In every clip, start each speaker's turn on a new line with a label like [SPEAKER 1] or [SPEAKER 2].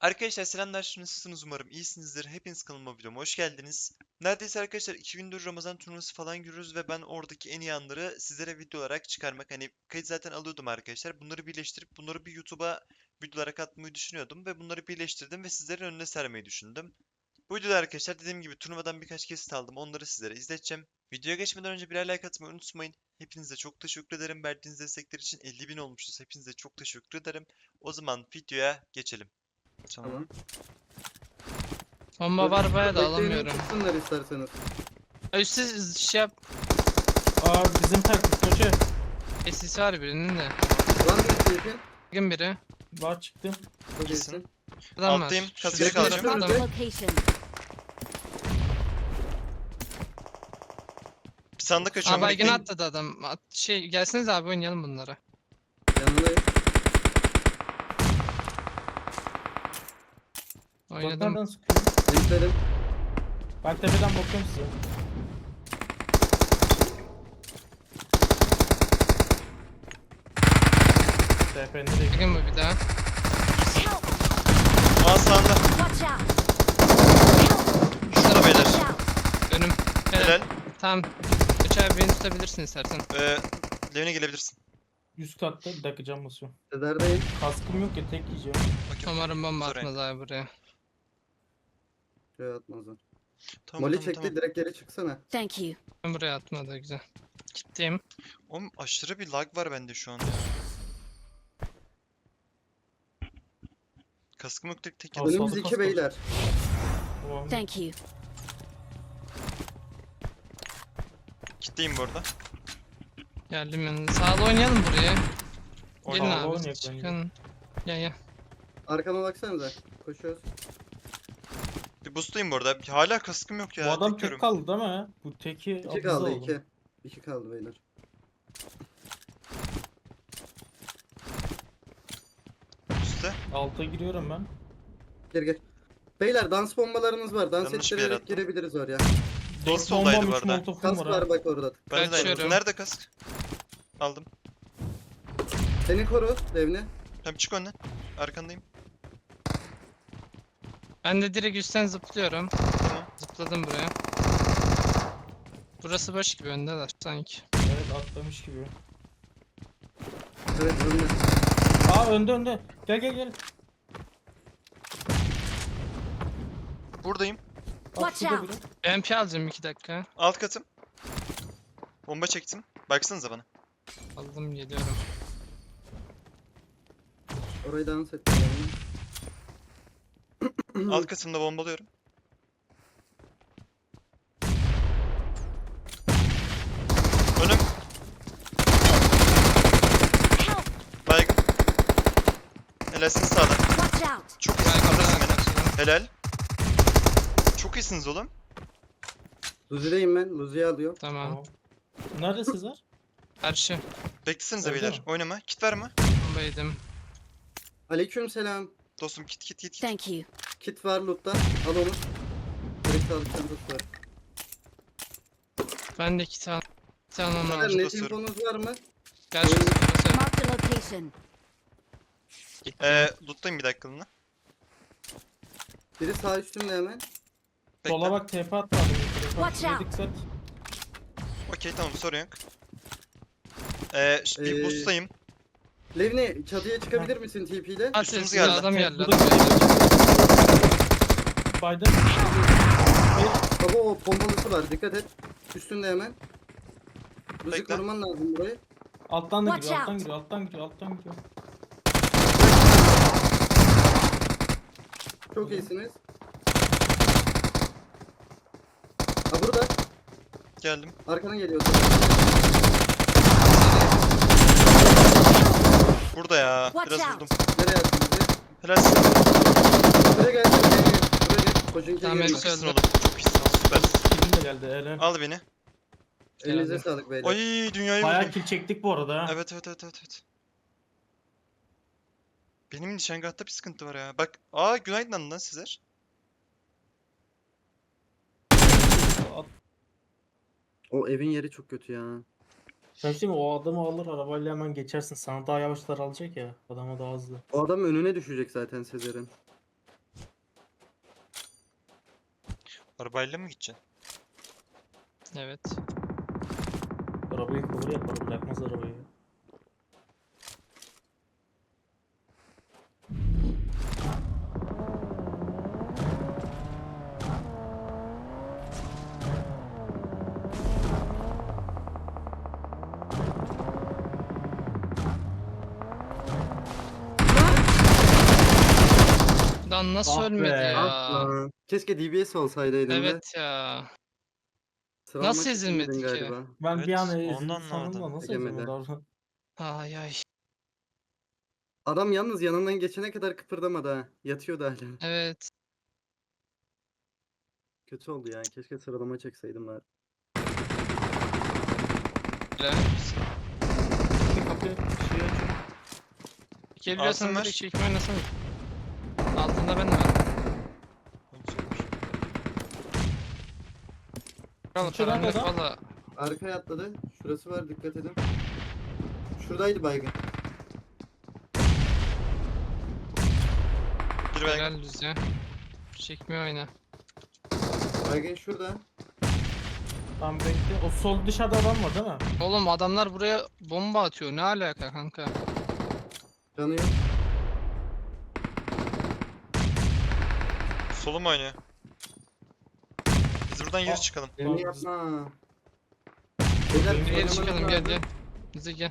[SPEAKER 1] Arkadaşlar selamlar, nasılsınız umarım iyisinizdir. Hepiniz kanalıma videoma hoş geldiniz. Neredeyse arkadaşlar 2 gündür Ramazan turnuvası falan görüyoruz ve ben oradaki en iyi anları sizlere video olarak çıkarmak, hani kayıt zaten alıyordum arkadaşlar. Bunları birleştirip bunları bir YouTube'a video olarak atmayı düşünüyordum ve bunları birleştirdim ve sizlerin önüne sermeyi düşündüm. Bu videoda arkadaşlar dediğim gibi turnuvadan birkaç kesit aldım, onları sizlere izleteceğim. Videoya geçmeden önce birer like atmayı unutmayın. Hepinize çok teşekkür ederim. Verdiğiniz destekler için 50.000 olmuşuz. Hepinize çok teşekkür ederim. O zaman videoya geçelim. Tamam.
[SPEAKER 2] Tamam.
[SPEAKER 3] Bomba var bayağı da
[SPEAKER 2] Bekleyenin
[SPEAKER 3] alamıyorum.
[SPEAKER 2] çıksınlar isterseniz.
[SPEAKER 3] Üstsiz şey yap.
[SPEAKER 4] Aa bizim taktik hoca.
[SPEAKER 3] Sis var birinin de.
[SPEAKER 2] Var mı keyfi?
[SPEAKER 3] Bakın biri.
[SPEAKER 4] Var çıktım.
[SPEAKER 2] Çok
[SPEAKER 1] İyisin.
[SPEAKER 2] iyisin.
[SPEAKER 3] Adam
[SPEAKER 1] Alttayım,
[SPEAKER 3] var.
[SPEAKER 1] kasaya
[SPEAKER 3] Şurada
[SPEAKER 1] kalacağım.
[SPEAKER 3] adam.
[SPEAKER 5] Location.
[SPEAKER 1] Bir sandık açıyorum.
[SPEAKER 3] Aa baygın
[SPEAKER 1] bekleyin.
[SPEAKER 3] atladı adam. Şey gelseniz abi oynayalım bunları.
[SPEAKER 2] Yanındayım.
[SPEAKER 4] Bak
[SPEAKER 3] Oynadım.
[SPEAKER 4] nereden sıkıyor?
[SPEAKER 2] Linkledim.
[SPEAKER 4] Ben tepeden bakıyorum size. TP nereye gidiyor?
[SPEAKER 3] Bakın bu bir daha.
[SPEAKER 5] Help!
[SPEAKER 1] Aa sağında.
[SPEAKER 5] Watch out!
[SPEAKER 1] Şurada beyler.
[SPEAKER 5] Watch out!
[SPEAKER 3] Önüm. Helal.
[SPEAKER 1] Helal.
[SPEAKER 3] Tamam. Üç abi beni tutabilirsin istersen.
[SPEAKER 1] Levine gelebilirsin.
[SPEAKER 4] 100 katta bir dakika cam basıyorum.
[SPEAKER 2] Sezer'deyim.
[SPEAKER 4] Kaskım yok ya tek yiyeceğim.
[SPEAKER 1] Okey,
[SPEAKER 3] Umarım bomba
[SPEAKER 1] Sorry.
[SPEAKER 3] atmaz abi buraya.
[SPEAKER 2] Şöyle atmazlar.
[SPEAKER 1] Tamam,
[SPEAKER 2] Molly
[SPEAKER 1] tamam,
[SPEAKER 2] çekti
[SPEAKER 1] tamam.
[SPEAKER 2] direkt geri çıksana.
[SPEAKER 5] Thank you.
[SPEAKER 3] Ben buraya atmadı güzel. Gittim.
[SPEAKER 1] Oğlum aşırı bir lag var bende şu an ya. Kaskım yok, tek
[SPEAKER 4] Al,
[SPEAKER 1] yedim.
[SPEAKER 2] Önümüz
[SPEAKER 4] sağda
[SPEAKER 2] iki
[SPEAKER 4] kask var.
[SPEAKER 2] beyler.
[SPEAKER 4] Tamam.
[SPEAKER 5] Thank you.
[SPEAKER 1] Kitleyim bu arada.
[SPEAKER 3] Geldim yanına. Sağda oynayalım buraya. Gelin
[SPEAKER 1] Orada
[SPEAKER 4] Sağda
[SPEAKER 3] abi.
[SPEAKER 4] oynayak bence.
[SPEAKER 3] Çıkın. Gel.
[SPEAKER 2] Arkama baksanıza. Koşuyoruz.
[SPEAKER 1] Bir boostlayayım bu arada. Hala kaskım yok ya.
[SPEAKER 4] Bu adam
[SPEAKER 1] tek
[SPEAKER 4] tek
[SPEAKER 1] görüyorum.
[SPEAKER 4] kaldı değil mi? Bu teki
[SPEAKER 2] İki
[SPEAKER 4] abuzda
[SPEAKER 2] kaldı
[SPEAKER 4] oldu.
[SPEAKER 2] iki. İki kaldı beyler.
[SPEAKER 1] Üste.
[SPEAKER 4] Alta giriyorum ben.
[SPEAKER 2] Gel gel. Beyler dans bombalarınız var. Dans
[SPEAKER 1] Yanlış bir yere
[SPEAKER 2] ettirerek
[SPEAKER 1] attım.
[SPEAKER 2] girebiliriz oraya.
[SPEAKER 4] 4
[SPEAKER 1] soldaydı
[SPEAKER 4] bombam
[SPEAKER 1] bu
[SPEAKER 4] 3
[SPEAKER 1] arada.
[SPEAKER 4] molotofum
[SPEAKER 2] Kask
[SPEAKER 4] var ha.
[SPEAKER 2] var bak orada.
[SPEAKER 1] Ben de
[SPEAKER 3] Kaçıyorum.
[SPEAKER 1] aynı. Nerede kask? Aldım.
[SPEAKER 2] Seni koru Devni.
[SPEAKER 1] Tamam, çık önden. Arkandayım.
[SPEAKER 3] Ben de direkt üstten zıplıyorum.
[SPEAKER 1] Tamam.
[SPEAKER 3] Zıpladım buraya. Burası boş gibi öndeler sanki.
[SPEAKER 4] Evet atlamış gibi.
[SPEAKER 2] Evet önüne.
[SPEAKER 4] Aa önde. Gel gel.
[SPEAKER 1] Buradayım.
[SPEAKER 4] Bak
[SPEAKER 5] Watch
[SPEAKER 4] şurada
[SPEAKER 5] out.
[SPEAKER 4] biri.
[SPEAKER 3] MP alacağım 2 dakika.
[SPEAKER 1] Alt katım. Bomba çektim. Baksanıza bana.
[SPEAKER 3] Aldım geliyorum.
[SPEAKER 2] Orayı dans et.
[SPEAKER 1] Alt katımda bombalıyorum. Önüm.
[SPEAKER 5] Help!
[SPEAKER 1] Baygın. Helalsin sağda.
[SPEAKER 5] Watch out!
[SPEAKER 1] Çok iyisin. Kaldırırsın beni. Helal. Çok iyisiniz oğlum.
[SPEAKER 2] Luzi'deyim ben. Luzi'yi alıyorum.
[SPEAKER 3] Tamam.
[SPEAKER 4] Tamam. Nerede Sezer?
[SPEAKER 3] Karşı.
[SPEAKER 1] Beklesenize
[SPEAKER 4] Öyle
[SPEAKER 1] beyler.
[SPEAKER 4] mi?
[SPEAKER 1] Oynama. Kit var mı?
[SPEAKER 3] Bomba yedim.
[SPEAKER 2] Aleyküm selam.
[SPEAKER 1] Dostum kit.
[SPEAKER 5] Thank you.
[SPEAKER 2] Kit var lootta. Al onu. Direkt sağlık çantası var.
[SPEAKER 3] Ben de 2 tane. 2 tane onu
[SPEAKER 2] Sezer
[SPEAKER 3] alacağım.
[SPEAKER 2] net
[SPEAKER 1] basıyorum.
[SPEAKER 2] infonuz var mı?
[SPEAKER 3] Gel şu burası.
[SPEAKER 5] Mark the location.
[SPEAKER 1] Loot'tayım bir dakikalığına.
[SPEAKER 2] Biri sağ üstümde hemen.
[SPEAKER 4] Sola bak TP atma.
[SPEAKER 5] Watch
[SPEAKER 4] Şuraya
[SPEAKER 5] out.
[SPEAKER 4] dikkat.
[SPEAKER 1] Okey, tamam, sorun yok. Bir boost'tayım.
[SPEAKER 2] Levni çatıya çıkabilir misin TP ile?
[SPEAKER 3] At
[SPEAKER 1] Üstümüz
[SPEAKER 3] sesi
[SPEAKER 1] geldi.
[SPEAKER 3] adam geldi.
[SPEAKER 4] Burada Biden.
[SPEAKER 2] Baba o bombalısı var dikkat et. Üstünde hemen. Luzi
[SPEAKER 1] Bekle.
[SPEAKER 2] koruman lazım burayı.
[SPEAKER 4] Alttan da
[SPEAKER 5] Watch
[SPEAKER 4] giriyor, alttan
[SPEAKER 5] out.
[SPEAKER 4] giriyor, alttan giriyor.
[SPEAKER 2] Çok iyisiniz. Ha burada.
[SPEAKER 1] Geldim.
[SPEAKER 2] Arkana geliyor.
[SPEAKER 1] Burada ya.
[SPEAKER 5] Watch
[SPEAKER 1] Biraz
[SPEAKER 5] out.
[SPEAKER 1] vurdum.
[SPEAKER 2] Nereye attın bizi?
[SPEAKER 1] Helalsin.
[SPEAKER 2] Buraya gel. Buraya gel. Koşun
[SPEAKER 3] Tamam,
[SPEAKER 2] geliyor.
[SPEAKER 1] Çok
[SPEAKER 3] hepsi
[SPEAKER 1] iyisin
[SPEAKER 3] öldü.
[SPEAKER 1] oğlum. Çok iyisin. Süpersin.
[SPEAKER 4] Kilim de geldi, helal.
[SPEAKER 1] Al beni.
[SPEAKER 2] Elinize sağlık beyler.
[SPEAKER 1] Ay, dünyayı
[SPEAKER 4] Bayağı
[SPEAKER 1] vurdum.
[SPEAKER 4] kill çektik bu arada ha.
[SPEAKER 1] Evet. Benim nişangahta bir sıkıntı var ya. Bak. Günaydın lan Sezer.
[SPEAKER 2] O evin yeri çok kötü ya.
[SPEAKER 4] Sen şimdi o adamı alır arabayla hemen geçersin. Sana daha yavaşlar alacak ya. Adama daha hızlı.
[SPEAKER 2] O adam önüne düşecek zaten Sezer'in.
[SPEAKER 1] Arabayla mı gideceksin?
[SPEAKER 3] Evet.
[SPEAKER 4] Arabayı cover yapar, bırakmaz arabayı.
[SPEAKER 3] Lan nasıl
[SPEAKER 4] Ah be.
[SPEAKER 3] ölmedi ya?
[SPEAKER 2] Aa, keşke DBS olsaydı elimde.
[SPEAKER 3] Evet ya.
[SPEAKER 2] Sıra
[SPEAKER 3] Nasıl
[SPEAKER 2] almak istemedin
[SPEAKER 3] ezilmedi ki?
[SPEAKER 2] galiba.
[SPEAKER 4] Ben
[SPEAKER 1] Evet,
[SPEAKER 4] bir an
[SPEAKER 1] onu
[SPEAKER 4] ezildi
[SPEAKER 1] anlamadım.
[SPEAKER 4] sandım da nasıl
[SPEAKER 2] Egemedi.
[SPEAKER 4] ezilmedi orada?
[SPEAKER 3] Ay ay.
[SPEAKER 2] Adam yalnız yanından geçene kadar kıpırdamadı ha. Yatıyordu hala.
[SPEAKER 3] Evet.
[SPEAKER 2] Kötü oldu ya. Keşke sıralama çekseydim bari.
[SPEAKER 3] Öyle.
[SPEAKER 4] Bir kapı şey açıyor.
[SPEAKER 3] Çekebiliyorsan
[SPEAKER 1] Altın var.
[SPEAKER 3] direkt çekme oynasana. Altında ben de var. Kral
[SPEAKER 4] Sıçıyor lan
[SPEAKER 3] karanlık
[SPEAKER 4] adam.
[SPEAKER 3] valla.
[SPEAKER 2] Arkaya atladı. Şurası var, dikkat edin. Şuradaydı baygın.
[SPEAKER 1] Bir baygın.
[SPEAKER 3] Helal düze. Çekme oyna.
[SPEAKER 2] Baygın şurada.
[SPEAKER 4] Tam bekle. O sol dışarıda adam var değil mi?
[SPEAKER 3] Oğlum adamlar buraya bomba atıyor. Ne alaka kanka?
[SPEAKER 2] Canı yok.
[SPEAKER 1] Solum oynuyor. Biz buradan geri çıkalım.
[SPEAKER 2] Beni
[SPEAKER 4] Tamam,
[SPEAKER 2] yapma. Beyler,
[SPEAKER 4] Geri
[SPEAKER 3] Geri
[SPEAKER 2] oynamanız
[SPEAKER 3] çıkalım gel
[SPEAKER 2] lazım.
[SPEAKER 3] gel. Bize gel.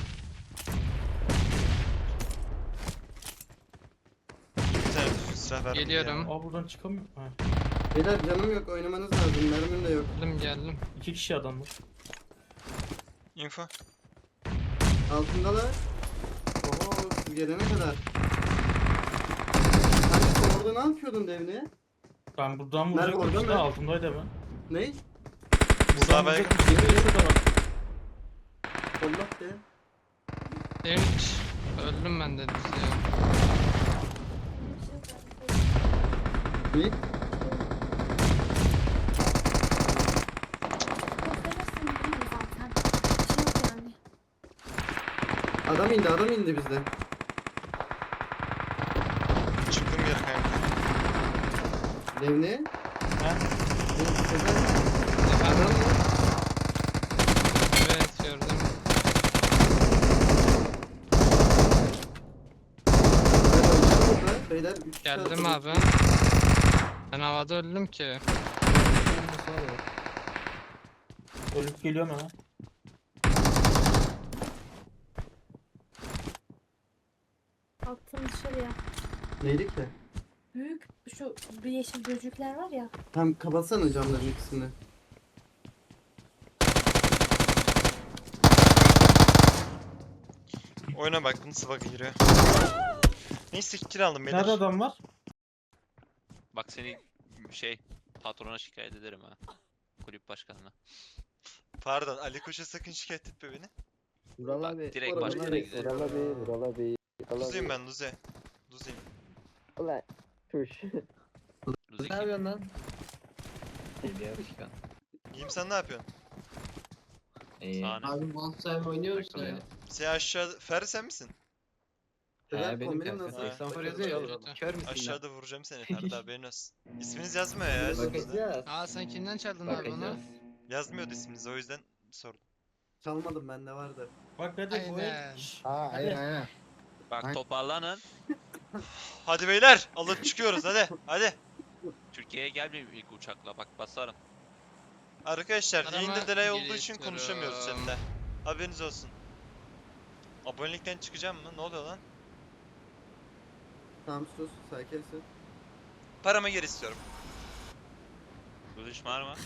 [SPEAKER 1] Bir tane düzgün silah ver.
[SPEAKER 3] Geliyorum.
[SPEAKER 4] Aa buradan çıkamıyor. Ha.
[SPEAKER 2] Beyler canım yok, oynamanız lazım. Mermim de yok.
[SPEAKER 3] Geldim geldim.
[SPEAKER 4] 2 kişi adam var.
[SPEAKER 1] Info.
[SPEAKER 2] Altındalar. Oho, siz gelene kadar. Sen orada ne yapıyordun devne?
[SPEAKER 4] Ben buradan
[SPEAKER 2] Nerede,
[SPEAKER 4] vuracaktım
[SPEAKER 2] orada
[SPEAKER 4] işte
[SPEAKER 2] mı?
[SPEAKER 4] altındaydı hemen.
[SPEAKER 2] Ne?
[SPEAKER 1] Sağ
[SPEAKER 4] Buradan
[SPEAKER 1] baygın.
[SPEAKER 4] vuracaktım işte şurada bak.
[SPEAKER 2] Allah de.
[SPEAKER 3] Hiç. Öldüm ben de düz ya.
[SPEAKER 2] Ne? Adam indi bizde.
[SPEAKER 1] Çıktım geri kanka.
[SPEAKER 2] Devne.
[SPEAKER 4] Ha?
[SPEAKER 2] Sezer.
[SPEAKER 3] Efendim? Evet gördüm.
[SPEAKER 2] Beyler, üç kişi
[SPEAKER 3] Geldim
[SPEAKER 2] atladı.
[SPEAKER 3] abi. Ben havada öldüm ki.
[SPEAKER 4] Ölüp geliyorum hemen.
[SPEAKER 6] Attım dışarıya.
[SPEAKER 2] Neydi ki?
[SPEAKER 6] Büyük şu bir yeşil böcekler var ya.
[SPEAKER 2] Tam kapatsana camların ikisini.
[SPEAKER 1] Oyuna baktım sıvaka giriyor. Neyse kill aldım beyler.
[SPEAKER 4] Nerede adam var?
[SPEAKER 7] Bak seni patrona şikayet ederim ha. Kulüp başkanına.
[SPEAKER 1] Pardon Ali Koç'a sakın şikayet etme beni.
[SPEAKER 8] Vural
[SPEAKER 7] Bak
[SPEAKER 8] abi.
[SPEAKER 7] direkt
[SPEAKER 2] Vural
[SPEAKER 7] başkana
[SPEAKER 2] abi,
[SPEAKER 7] gidelim.
[SPEAKER 8] Vural abi. Vural abi. Vural
[SPEAKER 1] Luzeyim
[SPEAKER 8] abi.
[SPEAKER 1] ben Luze. Luzeyim.
[SPEAKER 8] Ulan. Tuş.
[SPEAKER 7] Luzi
[SPEAKER 8] Ne
[SPEAKER 7] kim?
[SPEAKER 8] yapıyorsun lan? Geliyor başkan.
[SPEAKER 1] İyiyim sen ne yapıyorsun?
[SPEAKER 7] Sahne.
[SPEAKER 8] Abi Monster oynuyoruz
[SPEAKER 7] Takılıyor.
[SPEAKER 8] ya.
[SPEAKER 1] Sen aşağıda... Ferdi sen misin?
[SPEAKER 2] Sezer,
[SPEAKER 8] Benim
[SPEAKER 2] kombinin
[SPEAKER 8] kanka.
[SPEAKER 2] nasıl?
[SPEAKER 8] 84 yazıyor ya oğlum. Kör müsün lan?
[SPEAKER 1] Aşağıda vuracağım seni Ferdi haberin olsun. İsminiz yazmıyor ya üstünüzde.
[SPEAKER 8] Bakacağız.
[SPEAKER 3] Aa sen kimden çaldın abi onu?
[SPEAKER 8] Bakacağız.
[SPEAKER 1] Yazmıyordu isminiz o yüzden sordum.
[SPEAKER 2] Çalmadım, bende vardı.
[SPEAKER 4] Bak hadi bu
[SPEAKER 3] Aynen.
[SPEAKER 4] el. Şşş,
[SPEAKER 8] Aa
[SPEAKER 4] hadi.
[SPEAKER 8] aynen.
[SPEAKER 7] Bak toparlanın.
[SPEAKER 1] Hadi beyler alıp çıkıyoruz hadi hadi.
[SPEAKER 7] Türkiye'ye gelmeyeyim ilk uçakla bak basarım.
[SPEAKER 1] Arkadaşlar
[SPEAKER 3] Arama
[SPEAKER 1] yayında delay olduğu için
[SPEAKER 3] geliştiriyorum.
[SPEAKER 1] konuşamıyoruz chatte. Haberiniz olsun. Abonelikten çıkacağım mı? Ne oluyor lan?
[SPEAKER 2] Tamam sus, sakinsin.
[SPEAKER 1] Paramı geri istiyorum.
[SPEAKER 7] Luzi var mı?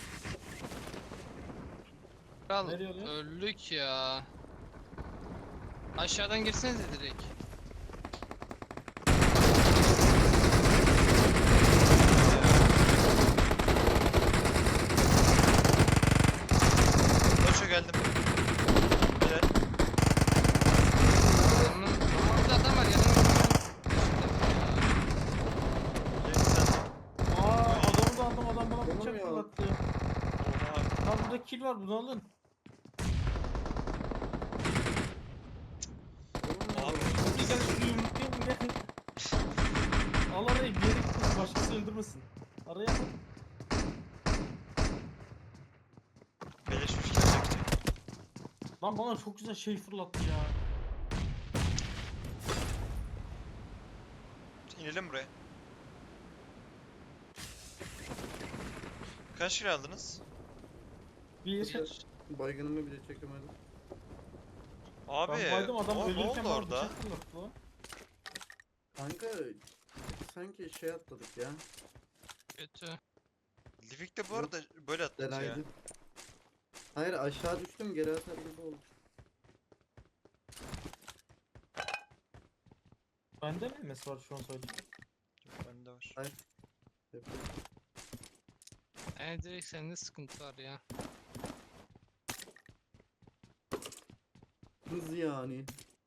[SPEAKER 3] Kral
[SPEAKER 4] Nereye oluyor?
[SPEAKER 3] öldük ya. Aşağıdan girsenize direkt.
[SPEAKER 1] Koşa geldim. Beyler,
[SPEAKER 3] Adamın... Orada adam var yanımda.
[SPEAKER 1] gelin sen.
[SPEAKER 4] Aa adamı da aldım, adam bana bıçak
[SPEAKER 2] Olmuyor.
[SPEAKER 4] fırlattı.
[SPEAKER 1] Oha.
[SPEAKER 4] Lan burada kill var, bunu alın.
[SPEAKER 1] Abi.
[SPEAKER 4] Bir gel şunu yumruklayayım gel. Al arayı, bir yere gitmesin, başkası öldürmesin. Araya al. Lan bana çok güzel şey fırlattı ya.
[SPEAKER 1] İnelim buraya. Kaç kilo aldınız?
[SPEAKER 4] Bir.
[SPEAKER 2] Baygınımı bile çekemedim.
[SPEAKER 1] Abi
[SPEAKER 4] Ben baydım adam
[SPEAKER 1] ne
[SPEAKER 4] ölürken
[SPEAKER 1] oldu
[SPEAKER 4] bana
[SPEAKER 1] orada?
[SPEAKER 4] bıçak fırlattı lan.
[SPEAKER 2] Kanka sanki şey atladık ya.
[SPEAKER 3] Kötü.
[SPEAKER 1] Livik'te bu
[SPEAKER 2] Yok,
[SPEAKER 1] arada böyle atlatıyor ya.
[SPEAKER 2] Delaydı. Hayır aşağı düştüm geri atar gibi oldu.
[SPEAKER 4] Bende mi MS var şu an sadece?
[SPEAKER 1] Yok, bende var.
[SPEAKER 2] Hayır.
[SPEAKER 3] Direkt sende sıkıntı var ya.
[SPEAKER 2] Hız yani.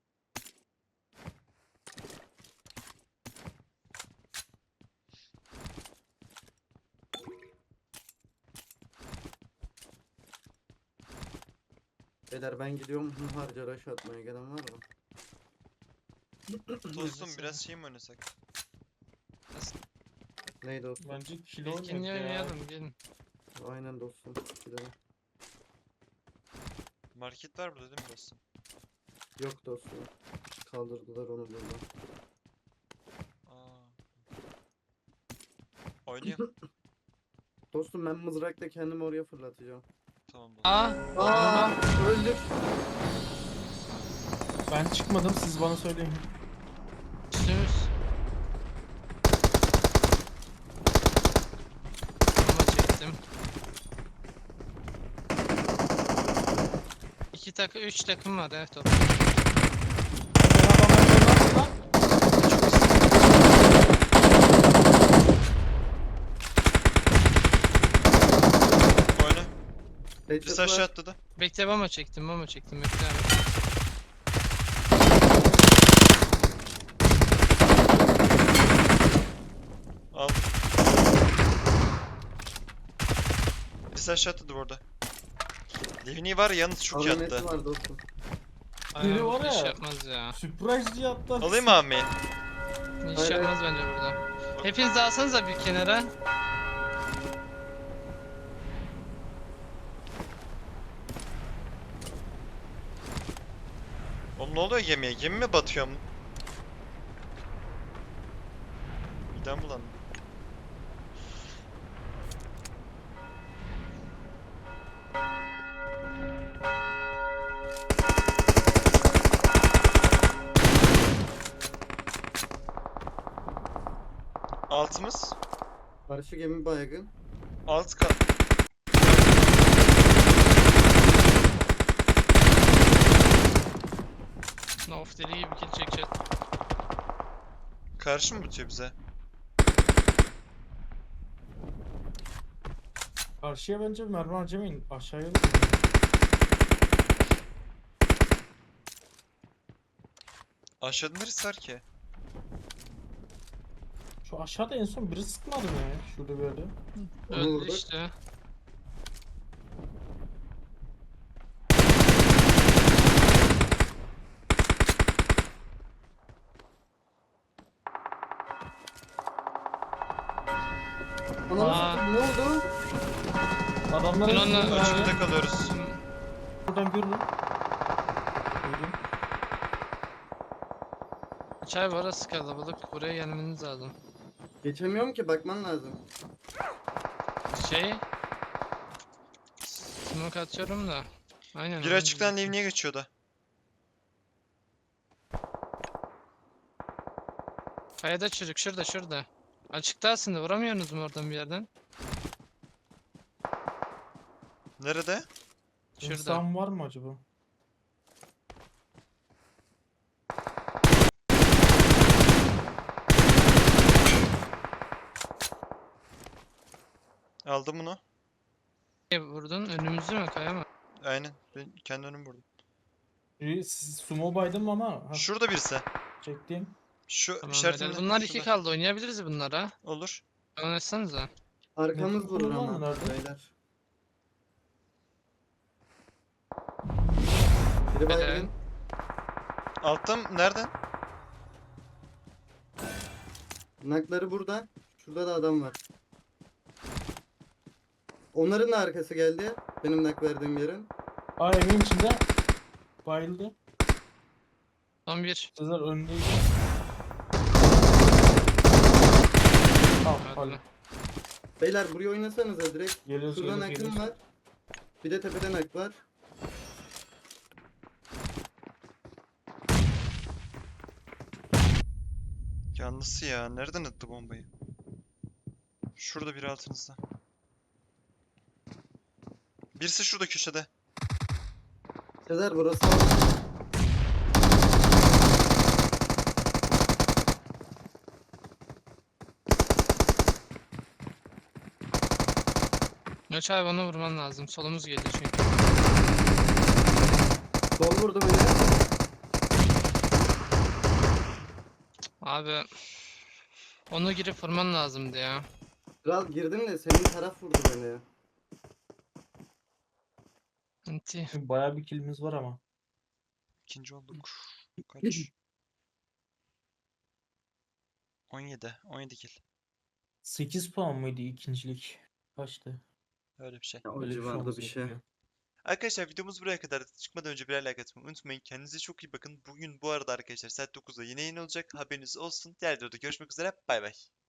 [SPEAKER 2] Beyler ben gidiyorum harca rush atmaya gelen var mı?
[SPEAKER 1] Dostum biraz şey mi oynasak?
[SPEAKER 2] Neydi o?
[SPEAKER 4] Bence kilo
[SPEAKER 3] İlkini
[SPEAKER 4] oynayak ya.
[SPEAKER 3] oynayalım gelin.
[SPEAKER 2] Aynen dostum. Gidelim.
[SPEAKER 1] Market var burada değil mi dostum?
[SPEAKER 2] Yok dostum. Kaldırdılar onu buradan.
[SPEAKER 1] Aa. Oynayalım.
[SPEAKER 2] Dostum ben mızrakla kendimi oraya fırlatacağım.
[SPEAKER 1] Tamam dostum.
[SPEAKER 2] Aa öldük.
[SPEAKER 4] Ben çıkmadım siz bana söyleyin.
[SPEAKER 3] Üstümüz. Ama çektim. 2 takım 3 takım var evet toplam.
[SPEAKER 1] Oyna. Birisi
[SPEAKER 2] Headshot
[SPEAKER 1] aşağı
[SPEAKER 2] var.
[SPEAKER 1] atladı.
[SPEAKER 3] Bekle mama çektim bekle abi.
[SPEAKER 1] Al. Birisi aşağı atladı burada. Livni var ya, yalnız çok iyi
[SPEAKER 2] AVM'si
[SPEAKER 1] attı.
[SPEAKER 2] var dostum.
[SPEAKER 3] Aynen
[SPEAKER 4] Biri var
[SPEAKER 3] bu iş
[SPEAKER 4] ya.
[SPEAKER 3] yapmaz ya.
[SPEAKER 4] Surprise diye attı.
[SPEAKER 1] Alayım mı abi?
[SPEAKER 3] İş
[SPEAKER 2] Hayır,
[SPEAKER 3] yapmaz bence burada. Hepiniz de alsanıza bir kenara.
[SPEAKER 1] Oğlum ne oluyor gemiye? Gemi mi batıyor? Midem bulandı. Altımız.
[SPEAKER 2] Karşı gemi baygın.
[SPEAKER 1] Alt kat.
[SPEAKER 3] Of deli gibi kill çekeceğiz.
[SPEAKER 1] Karşı mı bitiyor bize?
[SPEAKER 4] Karşıya bence mermi harcamayın. Aşağıya.
[SPEAKER 1] Aşağıda neresi var ki?
[SPEAKER 4] Şu aşağıda en son biri sıkmadı mı ya? Şurada böyle.
[SPEAKER 2] Onu
[SPEAKER 3] Öldü
[SPEAKER 2] vurduk.
[SPEAKER 3] işte.
[SPEAKER 2] Ananı
[SPEAKER 3] Aa.
[SPEAKER 2] satayım, ne oldu?
[SPEAKER 4] Adamlar
[SPEAKER 3] Ben onunla-
[SPEAKER 4] hepsi
[SPEAKER 1] Açıkta kalıyoruz.
[SPEAKER 4] buradan görürüm. Duydum.
[SPEAKER 3] Çay var arası kalabalık. Buraya gelmeniz lazım.
[SPEAKER 2] Geçemiyorum ki bakman lazım.
[SPEAKER 3] Şey... Smoke atıyorum da. Aynen.
[SPEAKER 1] Bir
[SPEAKER 3] onu
[SPEAKER 1] açıktan
[SPEAKER 3] diyecektim.
[SPEAKER 1] Livni'ye geçiyordu.
[SPEAKER 3] Kayada çocuk şurada. Açıkta aslında vuramıyorsunuz mu oradan bir yerden?
[SPEAKER 1] Nerede?
[SPEAKER 3] Şurada.
[SPEAKER 4] İnsan var mı acaba?
[SPEAKER 1] Aldım bunu.
[SPEAKER 3] Nereye vurdun? Önümüzü mü kaya mı?
[SPEAKER 1] Aynen. Ben kendi önümü vurdum.
[SPEAKER 4] Siz sumo baydım ama ha,
[SPEAKER 1] Şurada birisi.
[SPEAKER 4] çektim.
[SPEAKER 1] Şu
[SPEAKER 3] Tamam
[SPEAKER 1] işaretimle.
[SPEAKER 3] beyler. Bunlar 2
[SPEAKER 1] şurada.
[SPEAKER 3] kaldı. Oynayabiliriz bunlara.
[SPEAKER 1] Olur.
[SPEAKER 3] Oynatsanıza.
[SPEAKER 2] Arkamız
[SPEAKER 4] Ne
[SPEAKER 2] vurur
[SPEAKER 4] kullanma
[SPEAKER 2] ama
[SPEAKER 4] nerede?
[SPEAKER 2] beyler. Biri
[SPEAKER 3] Beyler.
[SPEAKER 2] baygın.
[SPEAKER 1] Alttan nereden?
[SPEAKER 2] Nakları burada. Şurada da adam var. Onların da arkası geldi. Benim nak verdiğim yerin.
[SPEAKER 4] Aa evin içinde. Bayıldı.
[SPEAKER 3] Son bir.
[SPEAKER 4] Sezer önündeydi. Tamam
[SPEAKER 3] Hadi
[SPEAKER 4] hadi.
[SPEAKER 3] lan.
[SPEAKER 2] Beyler buraya oynasanıza direkt.
[SPEAKER 4] Geliyoruz
[SPEAKER 2] Şuradan
[SPEAKER 4] geliyoruz
[SPEAKER 2] akım
[SPEAKER 4] geliyoruz.
[SPEAKER 2] var. Bir de tepeden ak var.
[SPEAKER 1] Yanlısı ya. Nereden attı bombayı? Şurada biri altınızda. Birisi şurada köşede.
[SPEAKER 2] Sezer burası.
[SPEAKER 3] Göç abi onu vurman lazım. Solumuz geliyor çünkü.
[SPEAKER 2] Sol vurdu beni.
[SPEAKER 3] Abi onu girip vurman lazımdı ya.
[SPEAKER 2] Kral girdim de senin taraf vurdu beni ya.
[SPEAKER 3] Anti.
[SPEAKER 4] Bayağı bir kilimiz var ama.
[SPEAKER 1] İkinci olduk. Kaç? 17. 17 kill.
[SPEAKER 4] 8 puan mıydı ikincilik? Kaçtı?
[SPEAKER 1] Öyle bir şey.
[SPEAKER 2] Ya, o
[SPEAKER 4] Öyle bir şey
[SPEAKER 2] civarda
[SPEAKER 4] olması
[SPEAKER 2] bir şey.
[SPEAKER 4] gerekiyor.
[SPEAKER 1] Arkadaşlar videomuz buraya kadar. Çıkmadan önce birer like atmayı unutmayın. Kendinize çok iyi bakın. Bugün bu arada arkadaşlar saat 9'da yine yayın olacak. Haberiniz olsun. Diğer videoda görüşmek üzere. Bay bay.